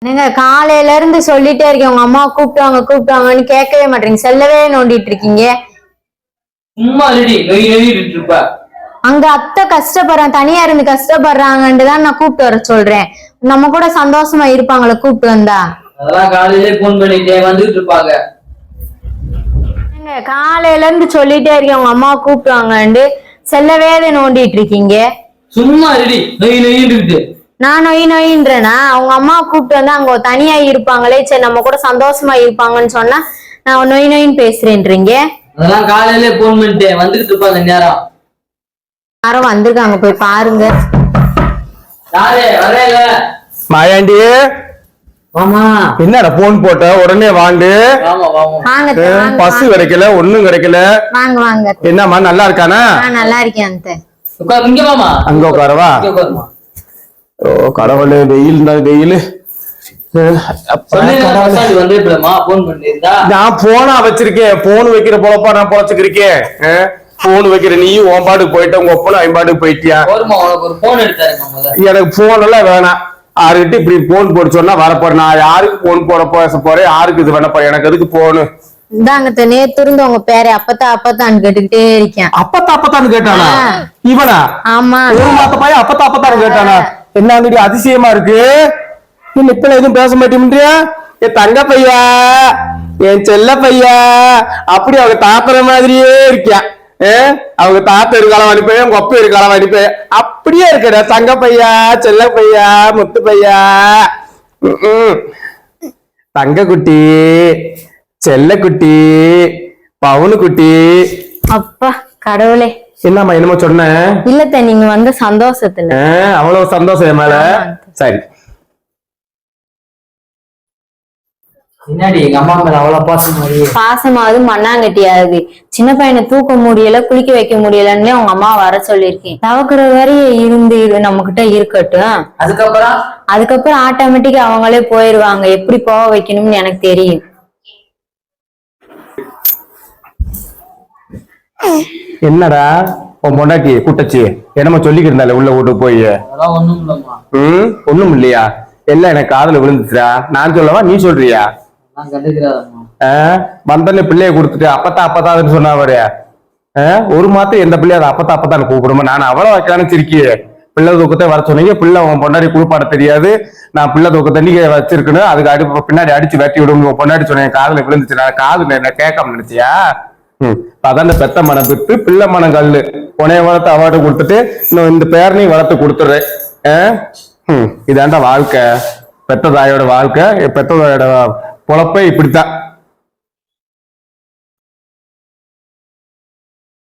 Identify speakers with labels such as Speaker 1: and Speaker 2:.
Speaker 1: நீங்க காலையில இருந்து சொல்லிட்டே இருக்கீங்க உங்க அம்மா கூப்பிட்டாங்கன்னு கேட்கவே மாட்டீங்க, செல்லவே நோண்டிட்டு இருக்கீங்க.
Speaker 2: சும்மா இருப்ப.
Speaker 1: அங்க அத்தை கஷ்டப்படுறாங்க, தனியா இருந்து கஷ்டப்படுறாங்கன்னு தான் நான் கூப்பிட்டு வர சொல்றேன். நம்ம கூட சந்தோஷமா இருப்பாங்களே கூப்பிட்டு வந்தா.
Speaker 2: அதெல்லாம் காலையிலே போன் பண்ணிட்டே வந்துட்டு இருப்பாங்க.
Speaker 1: காலையில இருந்து சொல்லிட்டே இருக்கீங்க உங்க அம்மா கூப்பிட்டாங்கன்னு, செல்லவே நோண்டிட்டு இருக்கீங்க.
Speaker 2: சும்மா இருக்கு.
Speaker 1: நான் நொயின்றேனா? அவங்க அம்மா கூப்பிட்டு வந்தா அங்க தனியா இருப்பாங்களே, சரி நம்ம கூட சந்தோஷமா இருப்பாங்கன்னு சொன்னா நான் நொயின்னு பேசுறேன்றீங்க.
Speaker 2: அதெல்லாம் காலையிலே போன் பண்ணிட்டே வந்துட்டு இருப்பாங்க. நேரம்
Speaker 1: யாரும் வந்திருக்காங்க, போய் பாருங்க.
Speaker 3: மாயாண்டி என்னடா போன் போட்ட உடனே வாண்டு. பஸ் கிடைக்கல, ஒண்ணும் கிடைக்கல.
Speaker 1: வாங்க வாங்க.
Speaker 3: என்னம்மா நல்லா இருக்கானா?
Speaker 1: நல்லா இருக்கேன்.
Speaker 3: அங்க உட்காரவா? ஓ கடவுளே, வெயில் வெயில். நான் போனா வச்சிருக்கேன், போன் வைக்கிற போலப்பா நான் பொழைச்சுக்கிருக்கேன். போன் வைக்கிற நீ உன் பாட்டுக்கு போயிட்ட, உங்க ஒப்பனும் ஐம்பாட்டுக்கு போயிட்டியா? எனக்கு போன் எல்லாம் வேணாம். யாருக்கிட்ட இப்படி போன் போட சொன்னா வரப்போறேன். நான் யாருக்கு போன் போட பேச போறேன், யாருக்கு இது பண்ண போறேன்? எனக்கு எதுக்கு போனு?
Speaker 1: இந்தாங்க நேத்து இருந்து உங்க பேரை அப்பத்தான்னு கேட்டுக்கிட்டே இருக்கேன்.
Speaker 3: அப்பத்தான்னு கேட்டானா இவனா?
Speaker 1: ஆமா,
Speaker 3: ஒரு மாத்த பையன் அப்பத்தான்னு கேட்டானா? என்ன அதிசயமா இருக்கு. இப்ப எதுவும் பேச மாட்டேன்றியா? என் தங்க பையா, என் செல்ல பையா, அப்படி அவங்க தாத்துற மாதிரியே இருக்கியா. அவங்க தாத்தா இருக்காலம் அனுப்பேன், உங்க அப்பா இருக்காலம் அனுப்பேன், அப்படியே இருக்கிற தங்க பையா, செல்ல பையா, முத்து பையா, தங்க குட்டி, செல்ல குட்டி, பவுனு குட்டி.
Speaker 1: அப்பா கடவுளே,
Speaker 3: என்னம்மா என்னமோ சொன்ன?
Speaker 1: இல்ல நீங்க வந்த சந்தோஷத்துல.
Speaker 3: அவ்வளவு சந்தோஷம் என் மேல. சரி,
Speaker 2: எங்க அம்மா மேல அவ்வளவு
Speaker 1: பாசமாவது மண்ணாங்கட்டியாவது. சின்ன பையனை தூக்க முடியல, குளிக்க வைக்க முடியலன்னு உங்க அம்மா வர சொல்லிருக்கேன். தவக்குற வரையும் இருந்து நம்ம கிட்ட இருக்கட்டும். அதுக்கப்புறம் ஆட்டோமேட்டிக்கா அவங்களே போயிருவாங்க. எப்படி போக வைக்கணும்னு எனக்கு தெரியும்.
Speaker 3: என்னடா உன் பொண்டாட்டி கூட்டச்சி என்னமா சொல்லிக்கிட்டு இருந்தால உள்ள வீட்டு போய்? ஒண்ணும் இல்லையா? எல்லாம் எனக்கு காதுல விழுந்துச்சுடா. நான் சொல்லவா நீ சொல்றியா? வந்தன்னு பிள்ளைய கொடுத்துட்டு அப்பத்தான்னு சொன்னா அவரு. ஒரு மாத்தம் எந்த பிள்ளைய அதை அப்பத்தான்னு கூப்பிடுமா? நான் அவ்வளவு வைக்கலான்னு சிரிக்கிய. பிள்ளை தூக்கத்தை வர சொன்னீங்க. பிள்ளை உன் பொண்டாடி குளிப்பாட தெரியாது, நான் பிள்ளை தூக்க தண்ணிக்க வச்சிருக்கணும், அதுக்கு பின்னாடி அடிச்சு வெட்டி விடும் பொண்டாடி சொன்னேன். காதுல விழுந்துச்சு. நான் காதுல என்ன கேட்காம நினைச்சியா? அதான் பெத்த மனம் விட்டு பிள்ளை மனம் கல்லு. உனைய வளர்த்து அவார்டு கொடுத்துட்டு இன்னும் இந்த பேரனையும் வளர்த்து கொடுத்துடுறேன். இதாண்டா வாழ்க்கை, பெத்த தாயோட வாழ்க்கை. பெத்த தாயோட பொழப்பே இப்படித்தான்.